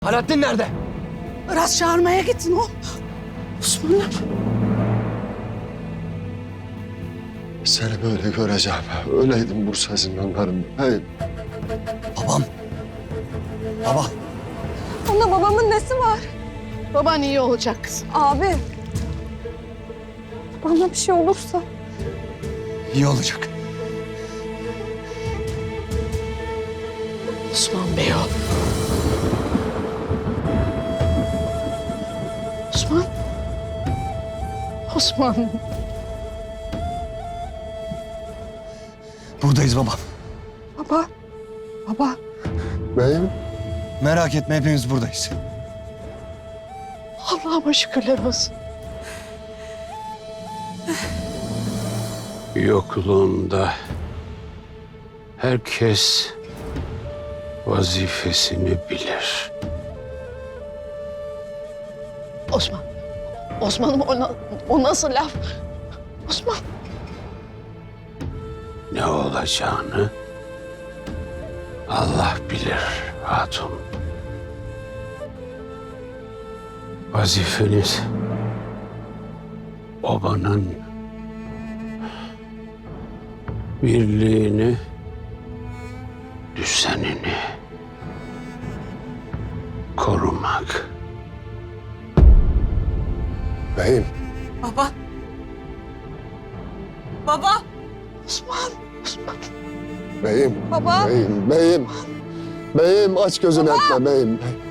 Alaaddin nerede? Iraz çağırmaya gittin o. Osman'ım. Seni böyle göreceğim. Öyleydim Bursa zindanlarında. Hey. Babam. Baba. Onda babamın nesi var? Baban iyi olacak kızım. Abi. Bana bir şey olursa. İyi olacak. Osman Bey o. Osman. Osman. Buradayız babam. Baba. Baba. Beyim. Merak etme, hepimiz buradayız. Allah'ıma şükürler olsun. Yokluğumda herkes vazifesini bilir. Osman. Osman'ım o nasıl laf? Osman. Ne olacağını Allah bilir hatun. Vazifeniz obanın birliğini, düzenini korumak. Beyim. Baba. Baba. Osman. Osman. Beyim. Baba. Beyim. Beyim. Beyim aç gözünü etme beyim.